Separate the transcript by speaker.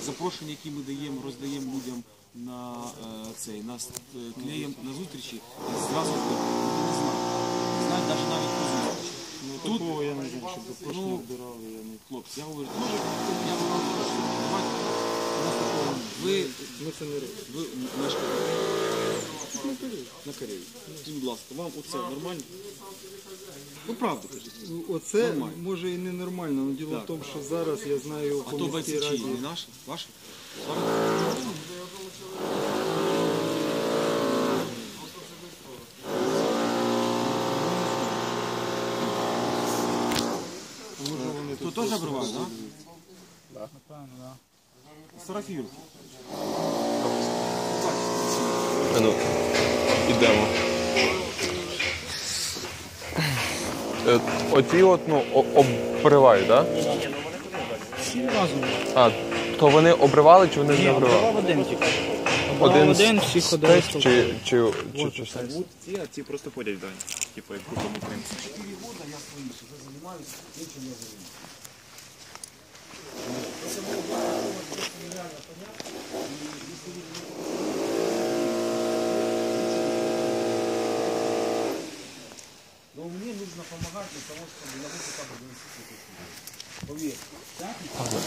Speaker 1: запрошення, які ми даємо, роздаємо людям на нас клеєм на зустрічі, зразу не знають навіть про зустрічі.
Speaker 2: Ну, такого я не знаю, щоб запрошення вбирали, я не...
Speaker 1: Хлопці, я говорю, я вам прошу, давайте, ви мешкаєте на Кореї. Скажіть, будь ласка, вам оце нормально? Ну, правду кажіть.
Speaker 2: Оце
Speaker 1: Нормально.
Speaker 2: може і не нормально, але діло в тому, що зараз я знаю
Speaker 1: А
Speaker 2: по
Speaker 1: то
Speaker 2: міській
Speaker 1: бойці
Speaker 2: раді.
Speaker 1: чиї? Не наші? Ваші?
Speaker 2: Може вони
Speaker 1: То
Speaker 2: тут
Speaker 1: теж обривали, так?
Speaker 3: Напевно, так.
Speaker 1: Сарафір.
Speaker 4: Ну, ідемо. Оці от, обривають, так?
Speaker 3: Всі разом.
Speaker 4: А, то вони обривали чи вони не обривали?
Speaker 3: Один тільки.
Speaker 4: Один
Speaker 3: всі ходили.
Speaker 4: чи
Speaker 5: Ці, а ці просто ходять в дані. Типу, як групами українців.
Speaker 1: 4 года я своїм вже займаюся, іншим не займаюся. Но мне нужно помогать для того, чтобы я мог хотя бы донести. Поверь,